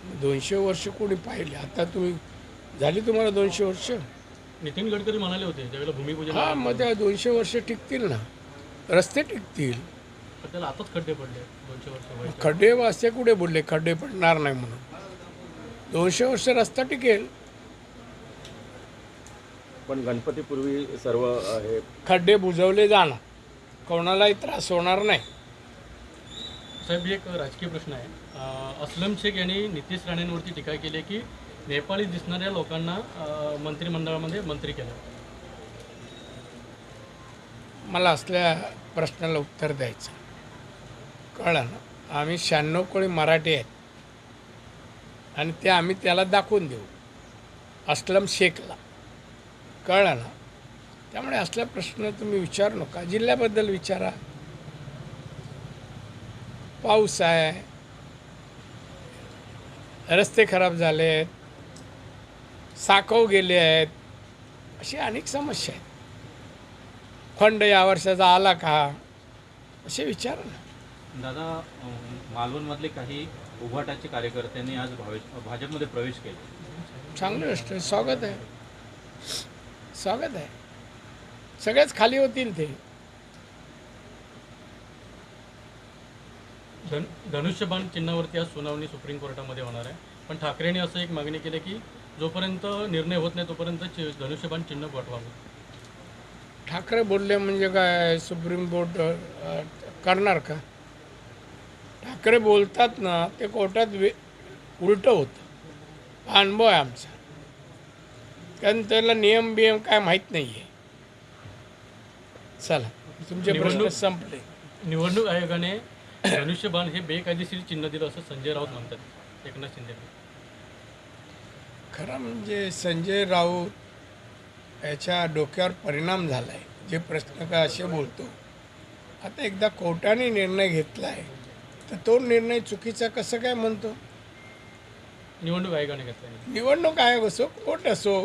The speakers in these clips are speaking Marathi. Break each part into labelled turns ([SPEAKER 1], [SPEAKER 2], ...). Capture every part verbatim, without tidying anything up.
[SPEAKER 1] दोनशे वर्ष कोणी पाहिले? आता तुम्ही झाली तुम्हाला दोनशे वर्ष?
[SPEAKER 2] नितीन गडकरी म्हणाले होते ज्यावेळेला भूमिपूजन
[SPEAKER 1] हां, मग त्या दोनशे वर्ष टिकतील ना, रस्ते टिकतील.
[SPEAKER 2] पण त्याला आताच खड्डे पडले दोनशे वर्ष व्हायचे.
[SPEAKER 1] खड्डे वाजते कुठे बोलले खड्डे पडणार नाही म्हणून? दोनशे वर्ष रस्ता टिकेल.
[SPEAKER 3] पण गणपतीपूर्वी सर्व अ, हे
[SPEAKER 1] खड्डे बुजवले जाणार, कोणालाही त्रास होणार नाही.
[SPEAKER 2] साहेब एक राजकीय प्रश्न आहे. अं, अस्लम शेख यांनी नितीश राणेंवरती टीका केली आहे की नेपाळी दिसणाऱ्या लोकांना अं, मंत्रिमंडळामध्ये मंत्री केलं.
[SPEAKER 1] मला असल्या प्रश्नाला उत्तर द्यायचं कळलं ना. आम्ही शहाण्णव कोळी मराठी आहेत आणि ते आम्ही त्याला दाखवून देऊ, अस्लम शेखला. कळलं ना. त्यामुळे असला प्रश्न तुम्ही विचारू नका, जिल्ह्याबद्दल विचारा. पाऊस आहे, रस्ते खराब झाले आहेत, साकव गेले आहेत, अशी अनेक समस्या आहेत. फंड या वर्षाचा आला का, असे विचार ना.
[SPEAKER 4] दादा, अं, मालवणमधले काही उभाटाचे कार्यकर्त्यांनी आज भावे भाजपमध्ये प्रवेश केला.
[SPEAKER 1] चांगली गोष्ट आहे, स्वागत आहे, स्वागत आहे. सगळेच खाली होतील ते.
[SPEAKER 2] धन धनुष्यबाण चिन्हावरती आज सुनावणी सुप्रीम कोर्टामध्ये होणार आहे. पण ठाकरेंनी असं एक मागणी केली की जोपर्यंत निर्णय होत नाही तोपर्यंत चि- धनुष्यबाण चिन्ह पाठवावं.
[SPEAKER 1] ठाकरे बोलले म्हणजे काय सुप्रीम कोर्ट अ, करणार का? ठाकरे बोलतात ना, ते कोर्टात वे उलटं होतं. हा अनुभव आहे आमचा, कारण त्याला नियम बियम काय माहीत नाही आहे. चला, तुमचे प्रश्न
[SPEAKER 2] निवडणूक-
[SPEAKER 1] संपले.
[SPEAKER 2] निवडणूक आयोगाने धनुष्यबाण हे बेकायदेशीर चिन्ह दिलं असं संजय राऊत म्हणतात एकनाथ शिंदे.
[SPEAKER 1] खरं म्हणजे संजय राऊत याच्या डोक्यावर परिणाम झाला आहे. जे प्रश्न का असे बोलतो, आता एकदा कोर्टाने निर्णय घेतला आहे तर तो निर्णय चुकीचा कसं काय म्हणतो?
[SPEAKER 2] निवडणूक आयोगाने घेतला.
[SPEAKER 1] निवडणूक आयोग असो, कोर्ट असो,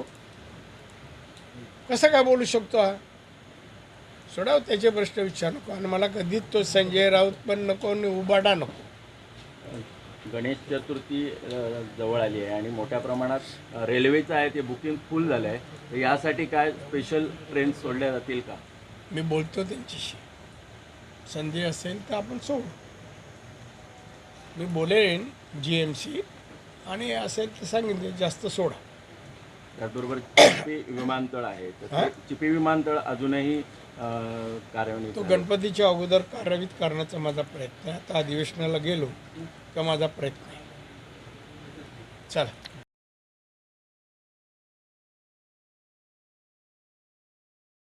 [SPEAKER 1] कसं काय बोलू शकतो हा? सोडाव त्याचे प्रश्न विचार नको. आणि मला कधीच तो संजय राऊत पण नको आणि उबाडा नको.
[SPEAKER 3] गणेश चतुर्थी अ, जवळ आली आहे आणि मोठ्या प्रमाणात अ, रेल्वेचं आहे ते बुकिंग फुल झालं आहे. तर यासाठी काय स्पेशल ट्रेन सोडल्या जातील का?
[SPEAKER 1] मी बोलतो त्यांच्याशी, संधी असेल तर आपण सोडू. मी बोलेन जी एम सी, आणि असेल तर सांगितले जास्त सोडा.
[SPEAKER 3] त्याचबरोबर चिपी विमानतळ आहे, तर
[SPEAKER 1] हा?
[SPEAKER 3] ते चिपी विमानतळ अजूनही अ, कार्यान्वित
[SPEAKER 1] तो
[SPEAKER 3] आहे.
[SPEAKER 1] गणपतीच्या अगोदर कार्यान्वित करण्याचा माझा प्रयत्न आहे. आता अधिवेशनाला गेलो का माझा प्रयत्न आहे. चला.